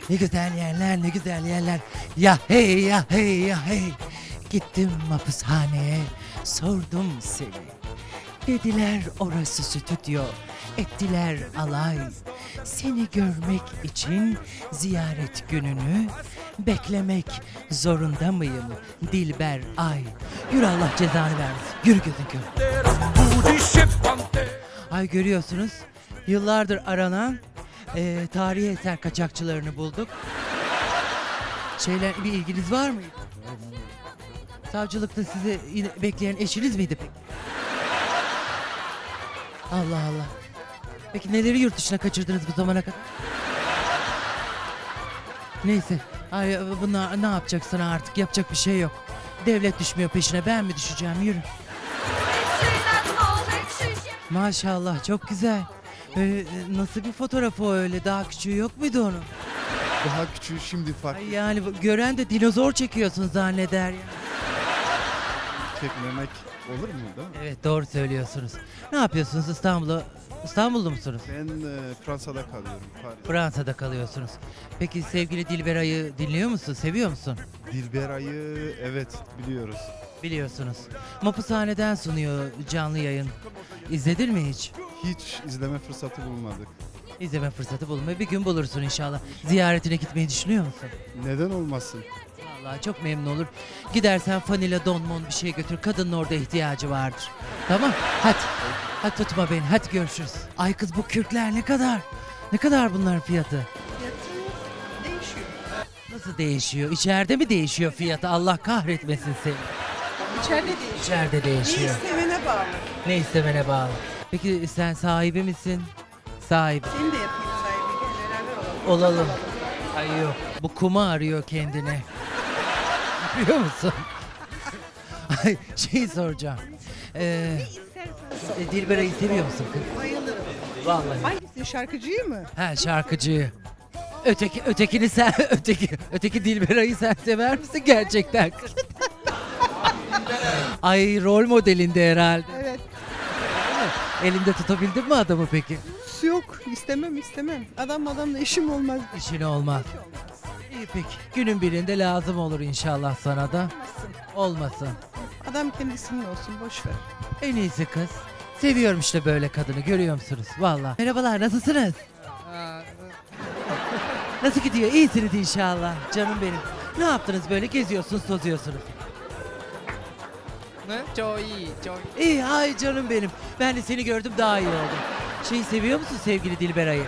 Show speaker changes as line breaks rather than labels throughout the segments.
Ne güzel yerler, ne güzel yerler. Ya hey, ya hey, ya hey. Gittim hapishaneye, sordum seni. Dediler orası stüdyo, ettiler alay. Seni görmek için ziyaret gününü beklemek zorunda mıyım Dilber Ay? Yürü Allah cezanı vermesin. Yürü gözün kör. Ay görüyorsunuz yıllardır aranan tarihi eser kaçakçılarını bulduk. Şeyler bir ilginiz var mıydı? Savcılıkta sizi yine bekleyen eşiniz miydi peki? Allah Allah. Peki neleri yurt dışına kaçırdınız bu zamana kadar? Neyse. Ay bunlar ne yapacaksın artık? Yapacak bir şey yok. Devlet düşmüyor peşine. Ben mi düşeceğim? Yürü. Maşallah çok güzel. Nasıl bir fotoğrafı o öyle? Daha küçüğü yok muydu onun?
Daha küçüğü şimdi farklı.
Ay yani gören de dinozor çekiyorsun zanneder ya.
Çekmemek olur mu değil mi?
Evet doğru söylüyorsunuz. Ne yapıyorsunuz İstanbul'da musunuz?
Ben Fransa'da kalıyorum. Paris.
Fransa'da kalıyorsunuz. Peki sevgili Dilberay'ı dinliyor musun? Seviyor musun?
Dilberay'ı evet biliyoruz.
Biliyorsunuz. Mapushaneden sunuyor canlı yayın. İzledin mi hiç?
Hiç izleme fırsatı bulmadık.
İzleme fırsatı bulmayı bir gün bulursun inşallah. Ziyaretine gitmeyi düşünüyor musun?
Neden olmasın?
Vallahi çok memnun olur. Gidersen fanila donmon bir şey götür. Kadının orada ihtiyacı vardır. Tamam hadi. Hadi tutma beni hadi görüşürüz. Ay kız bu kürkler ne kadar? Ne kadar bunların fiyatı?
Değişiyor.
Nasıl değişiyor? İçeride mi değişiyor fiyatı? Allah kahretmesin seni.
İçeride değişiyor.
İçeride
Ne
değişiyor.
istemene bağlı.
Ne istemene bağlı. Peki sen sahibi misin? Sahibi.
Seni de yapayım sahibi. Gel beraber olalım.
Olalım. Ay yok. Bu kuma arıyor kendine. Biliyor musun? Ay şey soracağım. Dilberay'ı seviyor musun kız?
Bayılırım.
Vallahi.
Hangisi? Şarkıcıyı mı?
Ha şarkıcıyı. Ötekini sen öteki Dilberay'ı sen sever misin gerçekten? Ay rol modelinde herhalde.
Evet.
Elinde tutabildin mi adamı peki?
Yok. İstemem. Adamla işim olmaz.
İşin olmaz. İyi peki. Günün birinde lazım olur inşallah sana da. Olmasın.
Adam kendisinin olsun. Boş ver.
En iyisi kız. Seviyorum işte böyle kadını görüyor musunuz? Vallahi. Merhabalar nasılsınız? Nasıl gidiyor? İyisiniz inşallah. Canım benim. Ne yaptınız böyle geziyorsunuz tozuyorsunuz?
Ne? Çok iyi, çok iyi.
İyi ay canım benim. Ben de seni gördüm daha iyi oldum. Şeyi seviyor musun sevgili Dilberay'ı?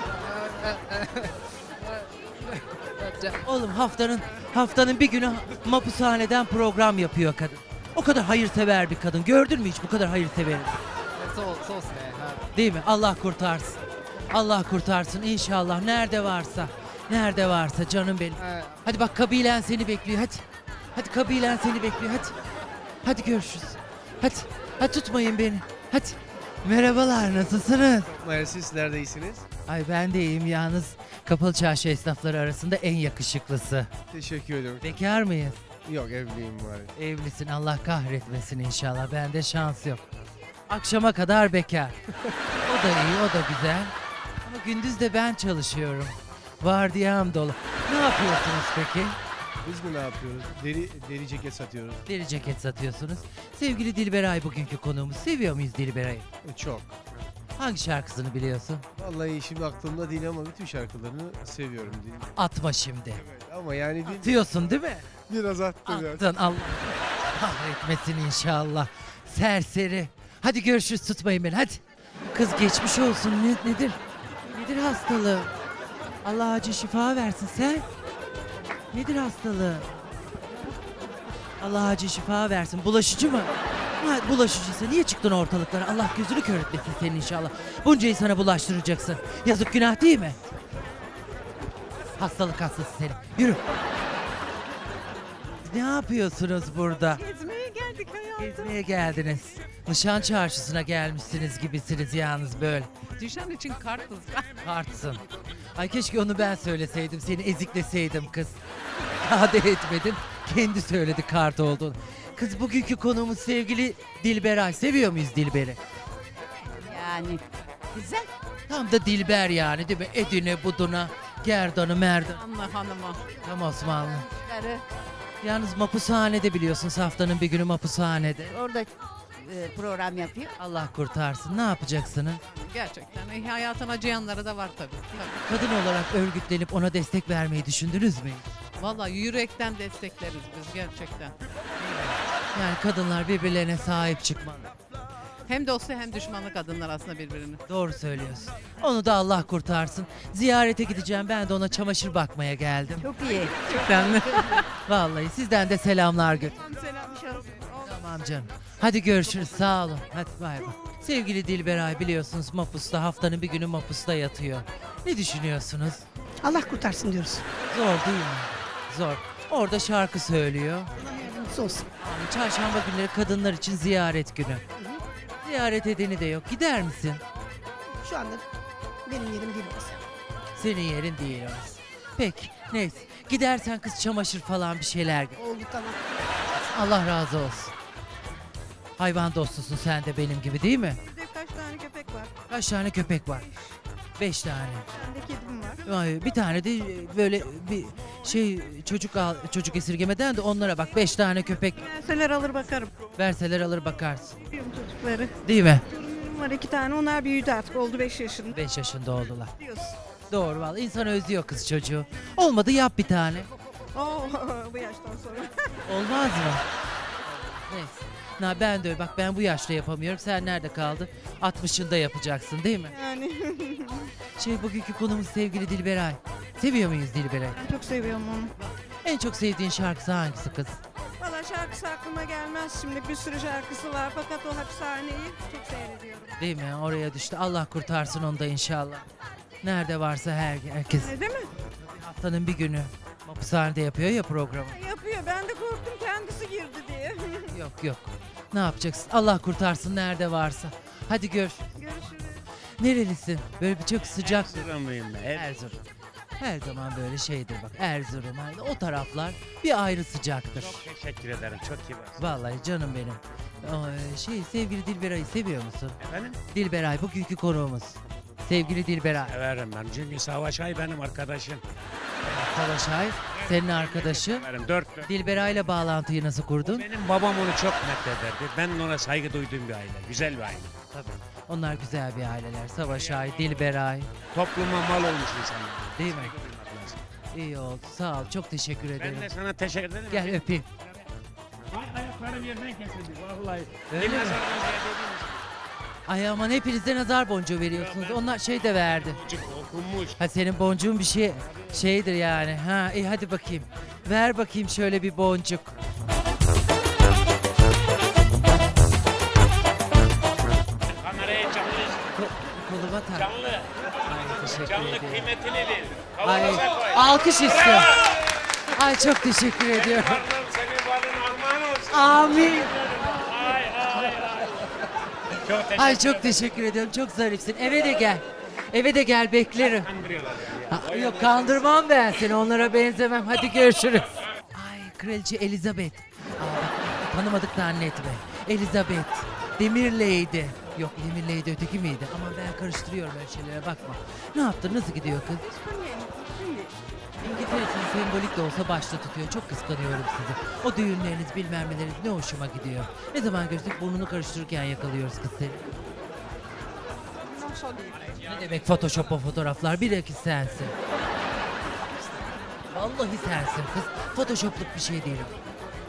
Oğlum haftanın bir günü mapushaneden program yapıyor kadın. O kadar hayırsever bir kadın. Gördün mü hiç bu kadar hayırseveri?
そうですね。はい。
Değil mi? Allah kurtarsın. Allah kurtarsın inşallah. Nerede varsa. Nerede varsa canım benim.
はい。
Hadi bak kabilen seni bekliyor hadi. Hadi kabilen seni bekliyor hadi. Hadi görüşürüz. Hadi. Hadi tutmayın beni. Hadi. Merhabalar nasılsınız?
Mersi, sizler de iyisiniz.
Ay ben de iyiyim yalnız. Kapalı çarşı esnafları arasında en yakışıklısı.
Teşekkür ediyorum.
Bekar mıyız?
Yok, evliyim var.
Evlisin Allah kahretmesin inşallah. Bende şans yok. Akşama kadar bekar. O da iyi o da güzel. Ama gündüz de ben çalışıyorum. Vardiyam dolu. Ne yapıyorsunuz peki?
Biz mi ne yapıyoruz? Deri ceket satıyoruz.
Deri ceket satıyorsunuz. Sevgili Dilberay bugünkü konuğumuz. Seviyor muyuz Dilberay'ı?
Çok.
Hangi şarkısını biliyorsun?
Vallahi şimdi aklımda değil ama bütün şarkılarını seviyorum.
Atma şimdi.
Evet, ama yani
Diyorsun değil mi?
biraz attım ya.
Attın Allah kahretmesin inşallah. Serseri. Hadi görüşürüz tutmayın beni hadi. Kız geçmiş olsun nedir? Nedir hastalığı? Allah acil şifa versin sen. Nedir hastalığı? Allah acil şifa versin. Bulaşıcı mı? Ha, bulaşıcıysa niye çıktın ortalıklara? Allah gözünü kör etmesin senin inşallah. Buncayı sana bulaştıracaksın. Yazık günah değil mi? Hastalık hastası seni. Yürü. Ne yapıyorsunuz burada?
Gezmeye geldik hayatım.
Gezmeye geldiniz. Nişan çarşısına gelmişsiniz gibisiniz yalnız böyle.
Düşen için kartız.
Kartsın. Ay keşke onu ben söyleseydim. Seni ezikleseydim kız. Daha da etmedim. Kendi söyledi kart olduğunu. Kız bugünkü konuğumuz sevgili Dilberay. Seviyor muyuz Dilber'i?
Yani güzel.
Tam da Dilber yani değil mi? Edine buduna Gerdan'ı Merdan.
Anla hanımı.
Tam Osmanlı.
Karı
Yalnız mapushanede biliyorsun haftanın bir günü mapushanede.
orada program yapıyor.
Allah kurtarsın. Ne yapacaksınız?
Gerçekten hayatına acıyanları da var tabii.
Kadın olarak örgütlenip ona destek vermeyi düşündünüz mü?
Vallahi yürekten destekleriz biz gerçekten.
Yani kadınlar birbirlerine sahip çıkmalı.
Hem dostu hem düşmanı kadınlar aslında birbirini.
Doğru söylüyorsun. Onu da Allah kurtarsın. Ziyarete gideceğim. Ben de ona çamaşır bakmaya geldim.
Çok iyi.
Gerçekten mi?
Vallahi sizden de selamlar gör.
Selam.
Tamam canım. Hadi görüşürüz. Sağ olun. Hadi bay bay. Sevgili Dilberay biliyorsunuz Mapus'ta haftanın bir günü Mapus'ta yatıyor. Ne düşünüyorsunuz?
Allah kurtarsın diyoruz.
Zor değil mi? Zor. Orada şarkı söylüyor.
Allah yardımcısı olsun.
Yani çarşamba günleri kadınlar için ziyaret günü. Ziyaret edeni de yok. Gider misin?
Şu anda benim yerim değil orası.
Senin yerin değil orası. Peki neyse. Gidersen kız çamaşır falan bir şeyler.
Oldu tamam.
Allah razı olsun. Hayvan dostusun sen de benim gibi değil mi?
Bir de kaç tane köpek var?
Kaç tane köpek var? 5 tane.
Bir de kedim var.
Ay, bir tane de böyle bir şey çocuk esirgemeden de onlara bak 5 tane köpek
Verseler alır bakarım.
verseler alır bakarsın.
Biliyorum çocukları.
Değil mi?
Torunlarım var 2 tane. Onlar büyüdü artık. Oldu 5 yaşında.
5 yaşında oldular.
Diyorsun.
Doğru vallahi insan özlüyor kız çocuğu. Olmadı yap bir tane.
Oo, bu yaştan sonra.
Olmaz mı? Neyse. Ben de öyle. Bak ben bu yaşta yapamıyorum. Sen nerede kaldın? 60'ında yapacaksın değil mi?
Yani
Bugünkü konumuz sevgili Dilberay. Seviyor muyuz Dilberay?
ben çok seviyorum onu.
En çok sevdiğin şarkısı hangisi kız?
Valla şarkısı aklıma gelmez şimdi. Bir sürü şarkısı var. Fakat o hapishaneyi çok seyrediyorum.
Değil mi? Oraya düştü. Allah kurtarsın onu da inşallah. Nerede varsa herkes.
Değil mi?
Haftanın bir günü. Hapishanede yapıyor ya programı.
Yapıyor. Ben de korktum kendisi girdi diye.
Yok. Ne yapacaksın? Allah kurtarsın nerede varsa. Hadi gör.
Görüşürüz.
Nerelisin? Böyle bir çok sıcak.
Erzurumluyum ben.
Erzurum. Her zaman böyle şeydir bak. Erzurum. O taraflar bir ayrı sıcaktır.
Çok teşekkür ederim. Çok kibar.
Vallahi canım benim. Sevgili Dilberay'ı seviyor musun?
Efendim?
Dilberay bugünkü konuğumuz. Sevgili Dilberay.
Severim ben. Çünkü Savaş Ay benim arkadaşım.
Savaş Ay senin arkadaşı.
Severim. Dört.
Dilberay'la bağlantıyı nasıl kurdun?
Benim babam onu çok metlederdi. Ben ona saygı duyduğum bir aile. Güzel bir aile.
Tabii. Onlar güzel bir aileler. Savaş Ay, Dilberay.
Topluma mal olmuş insanlar.
Değil mi?
Saygı duymak lazım.
İyi oldu. Sağ ol. Çok teşekkür ederim.
Ben de sana teşekkür ederim.
Gel öpeyim.
Ayaklarım yerden kesildi. Vallahi.
Öyle mi? Ay aman hepinize nazar boncuğu veriyorsunuz. Onlar şey de verdi.
Çocuk okunmuş.
Ha senin boncuğun bir şeydir yani. Ha iyi hadi bakayım. Ver bakayım şöyle bir boncuk.
Kameraya canlı.
Koluma tak.
Canlı.
Ay teşekkür
Canlı
ederim.
kıymetini bil.
Ay
Kavanoza koy.
alkış istiyorum. Ay çok teşekkür ediyorum.
Varlığım senin varlığın armağan olsun.
Amin.
Ay. Çok teşekkür
Ay çok teşekkür ediyorum. Çok zarifsin. Eve de gel. Eve de gel beklerim.
Kandırıyorlar yani.
Ha, yok kandırmam ben seni. Onlara benzemem. Hadi görüşürüz. Ay Kraliçe Elizabeth. Tanımadık zannetme. Elizabeth. Demirleydi. Yok Demirleydi öteki miydi? Ama ben karıştırıyorum öyle şeylere bakma. Ne yaptın? Nasıl gidiyor kız? İngiltere'sin sembolik de olsa başta tutuyor. Çok kıskanıyorum sizi. O düğünleriniz bilmem neleriniz ne hoşuma gidiyor. Ne zaman görsek burnunu karıştırırken yakalıyoruz kız seni. Ne demek Photoshop o fotoğraflar? Bilakis sensin. Vallahi sensin kız. Photoshopluk bir şey değil o.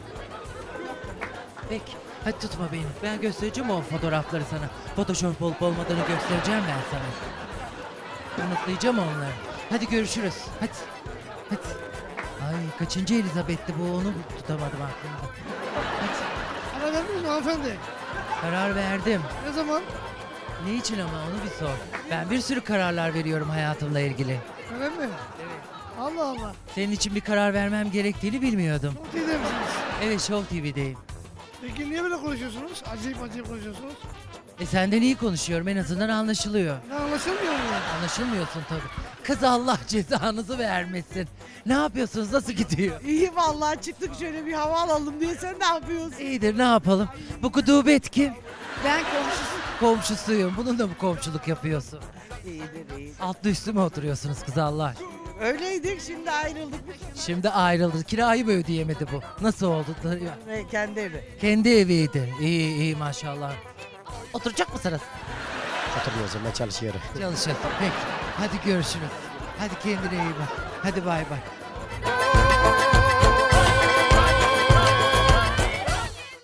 Peki. Hadi tutma beni. Ben göstereceğim o fotoğrafları sana. Photoshop olup olmadığını göstereceğim ben sana. Unutlayacağım onları. Hadi görüşürüz. Hadi. Ay kaçıncı Elizabeth'ti bu onu tutamadım aklımda. Hadi.
Karar verdiniz mi hanımefendi?
Karar verdim.
Ne zaman?
Ne için ama onu bir sor. Ben bir sürü kararlar veriyorum hayatımla ilgili.
Öyle mi? Evet. Allah Allah.
Senin için bir karar vermem gerektiğini bilmiyordum.
Çok iyi misiniz?
Evet Show TV'deyim.
Peki niye böyle konuşuyorsunuz? Acayip konuşuyorsunuz.
Senden iyi konuşuyorum en azından anlaşılıyor.
Ne anlaşılmıyor mu?
Anlaşılmıyorsun tabii. Kız Allah cezanızı vermesin. Ne yapıyorsunuz? Nasıl gidiyor?
İyi vallahi çıktık şöyle bir hava alalım diye. Sen ne yapıyorsun?
İyidir ne yapalım? Bu kudubet kim?
Ben komşusu.
Komşusuyum. Bununla mı komşuluk yapıyorsun?
İyidir.
Altlı üstü mü oturuyorsunuz kız Allah aşkına?
Öyleydik, şimdi ayrıldık.
Şimdi ayrıldı. Kirayı mı ödeyemedi bu? Nasıl oldu?
Kendi evi.
Kendi eviydi. İyi iyi maşallah. Oturacak mısınız?
Oturmuyoruz, ben çalışıyorum.
Çalışın. Peki. Hadi görüşürüz. Hadi kendine iyi bak. Hadi bay bay.